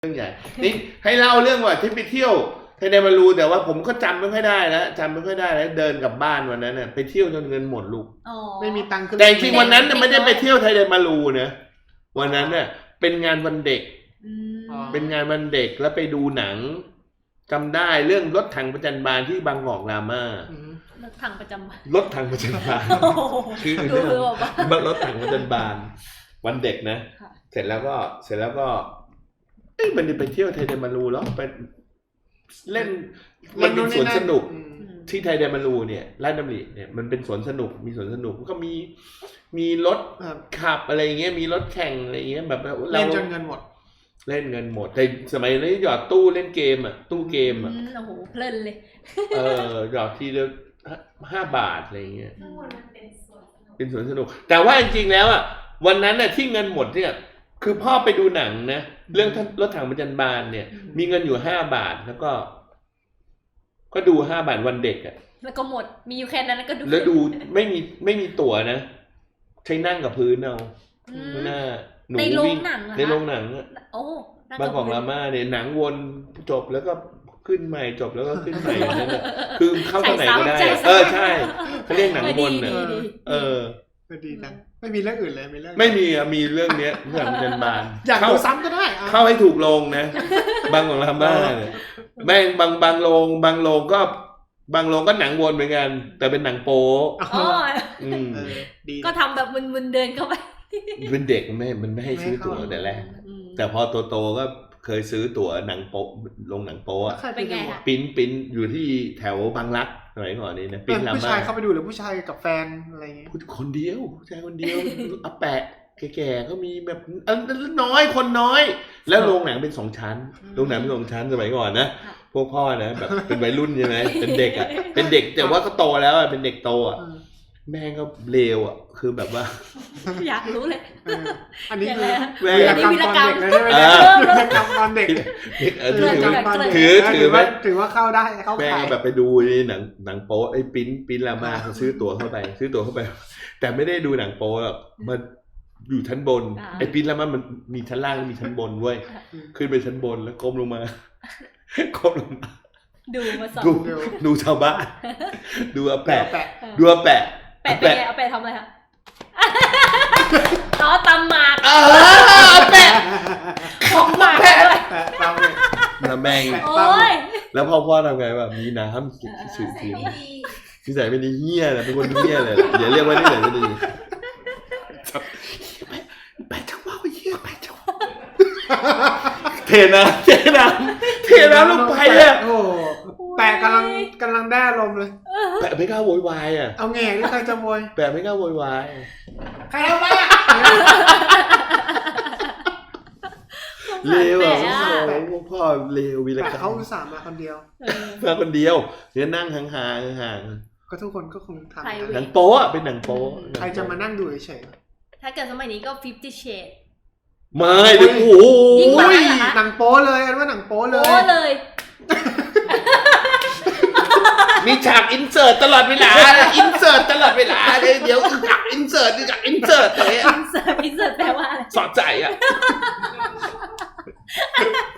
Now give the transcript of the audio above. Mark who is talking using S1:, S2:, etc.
S1: เรื่องใหญ่นี่ให้เล่าเรื่องว่าที่ไปเที่ยวไทยแดนมารูแต่ว่าผมก็จำไม่ค่อยได้แล้วจำไม่ค่อยได้แล้วเดินกลับบ้านวันนั้นน่ะไปเที่ยวจนเงินหมดลูก
S2: ไม่มีตังค์ขึ้น
S1: แต่จริงวันนั้นไม่ได้ไปเที่ยวไทยแดนมารูนะวันนั้นน่ะเป็นงานวันเด็กเป็นงานวันเด็กแล้วไปดูหนังจำได้เรื่องรถถังประจันบานที่บางกอกราม่ารถถังประจันบานคือเรื่องรถถังประจันบานวันเด็กนะเสร็จแล้วก็มันไปเที่ยวไทยแดนมารูแล้วไปเล่นมันเป็นสวนสนุกที่ไทยแดนมารูเนี่ยราชดำริเนี่ยมันเป็นสวนสนุกมีสวนสนุกก็มีรถขับอะไรอย่างเงี้ยมีรถแข่งอะไรอย่างเงี้ยแบบ
S2: เล่นจนเงินหมด
S1: แต่สมัยนี้หยอดตู้เล่นเกมอ่ะตู้เกมอ่ะ
S3: โอ้โหเพลินเลย
S1: หยอดทีละ5 บาทอะไรอย่างเงี้ยเป็นสวนสนุกแต่ว่าจริงๆแล้วอ่ะวันนั้นน่ะที่เงินหมดเนี่ยคือพ่อไปดูหนังนะเรื่องรถถังประจันบานเนี่ยมีเงินอยู่5 บาทแล้วก็ดู5 บาทวันเด็กอ่ะ
S3: แล้วก็หมดมีอยู่แค่นั้นแล้วก็ดู
S1: แล้วดูไม่มีตั๋วนะใช้นั่งกับพื้นเอาหน้าหนูวิ่งในโรงหนัง
S3: โอ้
S1: บางกอกราม่าเนี่ยหนังวนจบแล้วก็ขึ้นใหม่จบแล้วก็ขึ้นใหม่นั่นแหละคือเข้าตรงไหนก็ได้ใช่เขาเรียกหนังวนน่ะ
S2: ดีจังไม่มีเรื่องอื่นเลย
S1: ไม่มีเรื่องเนี้ยเรื่องประจันบาน
S2: อยากดูซ้ำก็ได้
S1: เข้าให้ถูกโรงนะบางกอกราม่าเนี่ยแม่งบางโรงก็หนังวนเหมือนกันแต่เป็นหนังโป๊
S3: ก็ทำแบบมึนๆเดินเข้าไป
S1: เป็นเด็กมันไม่ให้ซื้อตั๋วแต่แรกแต่พอโตก็เคยซื้อตั๋วหนังโป๊ลงหนังโป๊อะ
S3: เป็นไงคะ
S1: ปิ้นอยู่ที่แถวบางรักสมัยก่อนนี่นะ
S2: ปิ้นผู้ชายเข้าไปดูหรือผู้ชายกับแฟนอะไรอย่างเงี้ย
S1: คนเดียวผู้ชายคนเดียวอาแปะแก่ๆก็มีแบบน้อยคนน้อยแล้วโรงหนังเป็น2 ชั้นโรงหนังเป็น2 ชั้นสมัยก่อนนะพวกพ่อนะแบบเป็นวัยรุ่นใช่ไหมเป็นเด็กอ่ะเป็นเด็กแต่ว่าก็โตแล้วอ่ะเป็นเด็กโตอ่ะแม่ก็เลวอ่ะคือแบบว่า
S3: อยากรู้เลย
S2: อันนี้คือ
S3: วีรกรรม
S2: ตอนเด็ก
S1: ถือ
S2: ว่าเข้าได้เข้า
S1: แม่แบบไปดูในหนังโป๊ไอ้ปิ้นลาม่าเขาซื้อตั๋วเข้าไปแต่ไม่ได้ดูหนังโป๊หรอกมันอยู่ชั้นบนไอ้ปิ้นลาม่ามันมีชั้นล่างมีชั้นบนเว้ยขึ้นไปชั้นบนแล้วก้มลงมา
S3: ดูมาสอง
S1: ดูชาวบ้านดูอาแปะ
S3: แปะทำอะไรคะอ๋อตำหมาก
S1: แปะ
S3: ของหมากด้วย
S1: น้ำแมงแล้วพ่อทำไงแบบมีน้ำสื่อทีนิสัยไม่ดีเหี้ยนะเป็นคนเหี้ยเลยอย่าเรียกว่านิสัยไม่ดีแปะจังว่าเหี้ยแปะจังเทน้ำลงไปอ่ะ
S2: โอ้แปะกำลังได้ลมเลย
S1: แปะไม่กล้าโวยวายอ่ะ
S2: เอาแง่หรือใครจะโวย
S1: แปะไม่กล้าโวยวาย
S2: ใครเอาไปอ่ะ
S1: เลวอ่ะพ่อเลววีรกรรม
S2: เขาอุตส่าห์มาคนเดียว
S1: เนี่ยนั่งห่าง
S2: ก็ทุกคนก็คงทำ
S1: หนังโป๊ะเป็นหนังโป๊ะ
S2: ใครจะมานั่งดูเฉย
S3: ถ้าเกิดสมัยนี้ก็ 50 Shades
S1: ไม่เลยโอ้โห
S2: หนังโป๊เลยอันว่าหนังโป๊เลย
S1: มีฉากอินเสิร์ตตลอดเวลาอินเสิร์ตตลอดเวลาเลยเดี๋ยวอยากอินเสิร์ตเลยอินเสิร์ตแปลว่าอะไร
S3: สอด
S1: ใจอ่ะ